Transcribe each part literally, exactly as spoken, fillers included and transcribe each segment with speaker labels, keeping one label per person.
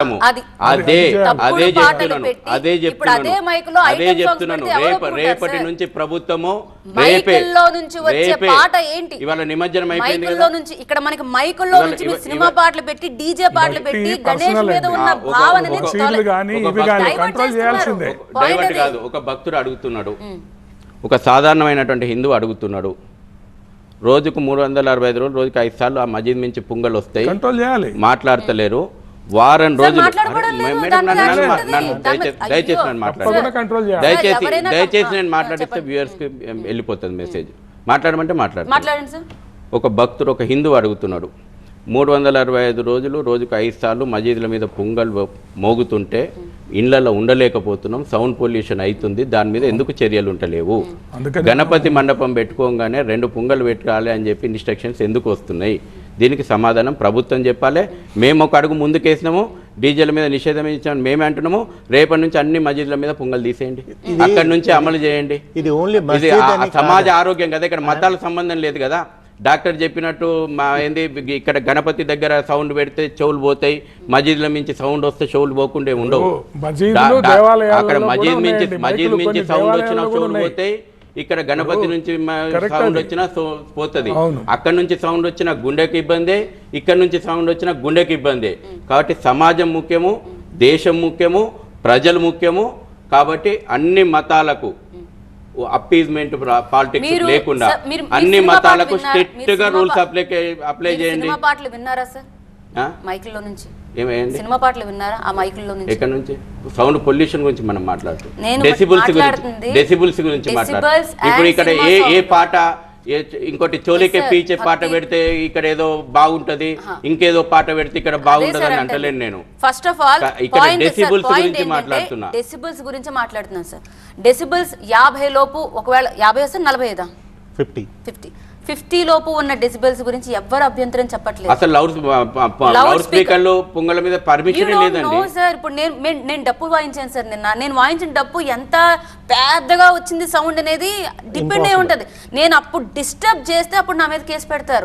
Speaker 1: అది
Speaker 2: అదే అదే చెప్తున్నాను అదే
Speaker 1: ఇప్పుడు అదే మైక్ లో
Speaker 2: అదే చెప్తున్నాను రేపు రేపటి నుంచి ప్రభుత్వము
Speaker 1: మైకుల్లో నుంచి వచ్చే పాట ఏంటి
Speaker 2: ఇవాళ నిమజ్జనం అయిపోయింది
Speaker 1: మైకుల్లో నుంచి ఇక్కడ మనకి మైకుల్లో నుంచి మీరు సినిమా పాటలు పెట్టి డీజే పాటలు పెట్టి గణేష్ మీద ఉన్న భావనని
Speaker 2: డైవర్ట్ కాదు. ఒక భక్తుడు అడుగుతున్నాడు, ఒక సాధారణమైనటువంటి హిందూ అడుగుతున్నాడు, రోజుకు మూడు వందల అరవై ఐదు రోజులు రోజుకి ఐదు సార్లు ఆ మజీద్ నుంచి పొంగల్ వస్తాయి, మాట్లాడతలేరు. వారం రోజులు దయచేసి నేను మాట్లాడతాను దయచేసి దయచేసి నేను మాట్లాడిస్తే వ్యూయర్స్కి వెళ్ళిపోతుంది మెసేజ్. మాట్లాడమంటే మాట్లాడతాను. ఒక భక్తుడు ఒక హిందూ అడుగుతున్నాడు, మూడు వందల అరవై ఐదు రోజులు రోజుకు ఐదు సార్లు మజీదుల మీద పొంగల్ మోగుతుంటే ఇళ్లలో ఉండలేకపోతున్నాం, సౌండ్ పొల్యూషన్ అవుతుంది, దాని మీద ఎందుకు చర్యలు ఉంటలేవు? గణపతి మండపం పెట్టుకోగానే రెండు పొంగల్ పెట్టాలి అని చెప్పి ఇన్స్ట్రక్షన్స్ ఎందుకు వస్తున్నాయి? దీనికి సమాధానం ప్రభుత్వం చెప్పాలి. మేము ఒక అడుగు ముందుకేసినాము, డీజేల మీద నిషేధం ఇచ్చాము మేమే అంటున్నాము. రేపటి నుంచి అన్ని మసీదుల మీద పొంగల్ తీసేయండి, అక్కడి నుంచి అమలు చేయండి. ఇది సమాజ ఆరోగ్యం కదా, ఇక్కడ మతాలకు సంబంధం లేదు కదా. డాక్టర్ చెప్పినట్టు మా ఏంది ఇక్కడ గణపతి దగ్గర సౌండ్ పెడితే చెవులు పోతాయి, మజీద్ల మించి సౌండ్ వస్తే చెవులు పోకుండా ఉండవు. అక్కడ మజీద్ మించి మజీద్ మించి సౌండ్ వచ్చినా చెవులు పోతాయి, ఇక్కడ గణపతి నుంచి సౌండ్ వచ్చినా పోతుంది. అక్కడ నుంచి సౌండ్ వచ్చినా గుండెకి ఇబ్బంది, ఇక్కడ నుంచి సౌండ్ వచ్చినా గుండెకి ఇబ్బంది. కాబట్టి సమాజం ముఖ్యము, దేశం ముఖ్యము, ప్రజలు ముఖ్యము. కాబట్టి అన్ని మతాలకు అప్పీజ్మెంట్ పాలిటిక్స్ లేకుండా అన్ని మతాలకు స్ట్రిక్ట్ గా రూల్స్ అప్లై అప్లై చేయండి.
Speaker 1: సినిమా పాటలు విన్నారా సార్? మైకుల్లో నుంచి
Speaker 2: ఏమేయండి
Speaker 1: సినిమా పాటలు విన్నారా? ఆ మైకుల్లో నుంచి
Speaker 2: ఎక్కడ నుంచి? సౌండ్ పొల్యూషన్ గురించి మనం మాట్లాడుతున్నాం, డెసిబుల్స్ గురించి డెసిబుల్స్ గురించి మాట్లాడుతున్నాం. ఇప్పుడు ఇక్కడ ఏ ఏ పాట ఇంకోటి చోలికే పీచే పాట పెడితే ఇక్కడ ఏదో బాగుంటది, ఇంకేదో పాట పెడితే ఇక్కడ బాగుంటది అని అంటలేను నేను.
Speaker 1: ఫస్ట్ ఆఫ్ ఆల్
Speaker 2: ఇక్కడ డెసిబుల్స్ గురించి మాట్లాడుతున్నా.
Speaker 1: డెసిబుల్స్ గురించి మాట్లాడుతున్నాను సార్. డెసిబుల్స్ యాభై లోపు, ఒకవేళ యాభై వస్తే నలభై ఐదా ఫిఫ్టీ ఫిఫ్టీ ఫిఫ్టీ లోపు ఉన్న డెసిబెల్స్ గురించి ఎవ్వరు అభ్యంతరం చెప్పట్లేదు.
Speaker 2: అసలు లౌడ్ లౌడ్ స్పీకర్లు పొంగల మీద పర్మిషన్ లేదండి
Speaker 1: సార్. ఇప్పుడు నేను నేను డప్పు వాయించాను సార్ నిన్న. నేను వాయించిన డప్పు ఎంత పెద్దగా వచ్చింది సౌండ్ అనేది డిపెండ్ అయి ఉంటది. నేను అప్పుడు డిస్టర్బ్ చేస్తే అప్పుడు నా మీద కేసు పెడతారు.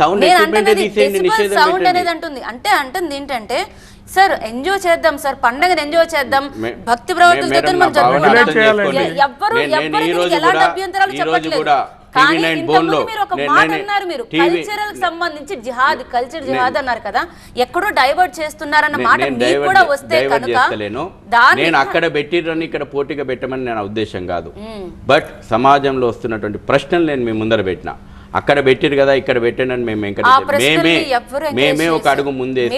Speaker 1: సౌండ్ అనేది అంటుంది అంటే అంటుంది ఏంటంటే సార్ ఎంజాయ్ చేద్దాం సార్, పండగని ఎంజాయ్ చేద్దాం, భక్తి ప్రవర్తనతో మనం జరుపుకుందాం. ఎవ్వరు ఎవ్వరు ఎలాంటి అభ్యంతరాలు చెప్పట్లేదు. కానీ ఇంతకుముందు మీరు ఒక మాట అన్నారు, మీరు కల్చరల్ సంబంధించి జిహాద్ కల్చర్ జిహాద్ అన్నారు కదా, ఎక్కడో డైవర్ట్ చేస్తున్నారన్న మాట మీకు కూడా వస్తే కనుక
Speaker 2: నేను అక్కడ పెట్టిరని ఇక్కడ పోటీగా పెట్టమని నేను ఉద్దేశం కాదు. బట్ సమాజంలో వస్తున్నటువంటి ప్రశ్నలు నేను మీ ముందర పెట్టినా. అక్కడ పెట్టిరు కదా ఇక్కడ పెట్టానని మేము ఎంకరేజ్ మేమే మేమే ఒక అడుగు ముందేసి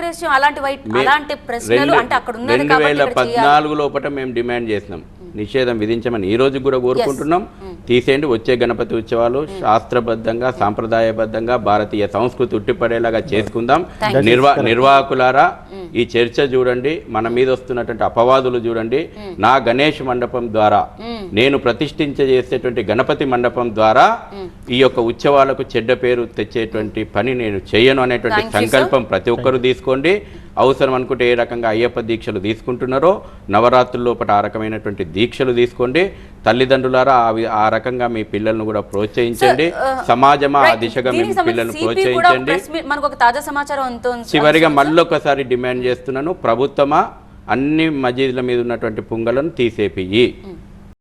Speaker 2: రెండు వేల పద్నాలుగు లోపల మేము డిమాండ్ చేసినాం, నిషేధం విధించమని. ఈ రోజు కూడా కోరుకుంటున్నాం, తీసేయండి. వచ్చే గణపతి ఉత్సవాలు శాస్త్రబద్ధంగా సాంప్రదాయబద్ధంగా భారతీయ సంస్కృతి ఉట్టిపడేలాగా చేసుకుందాం. నిర్వా నిర్వాహకులారా ఈ చర్చ చూడండి, మన మీద వస్తున్నటువంటి అపవాదులు చూడండి. నా గణేష్ మండపం ద్వారా నేను ప్రతిష్ఠించ చేసేటువంటి గణపతి మండపం ద్వారా ఈ యొక్క ఉత్సవాలకు చెడ్డ పేరు తెచ్చేటువంటి పని నేను చేయను అనేటువంటి సంకల్పం ప్రతి ఒక్కరూ తీసుకోండి. అవసరం అనుకుంటే ఏ రకంగా అయ్యప్ప దీక్షలు తీసుకుంటున్నారో నవరాత్రుల లోపల ఆ రకమైనటువంటి దీక్షలు తీసుకోండి. తల్లిదండ్రులారా ఆ రకంగా మీ పిల్లలను కూడా ప్రోత్సహించండి. సమాజమా ఆ దిశగా మీ పిల్లలను ప్రోత్సహించండి. చివరిగా మళ్ళొకసారి డిమాండ్ చేస్తున్నాను, ప్రభుత్వమా అన్ని మసీదుల మీద ఉన్నటువంటి పొంగలను తీసేపియ్యి.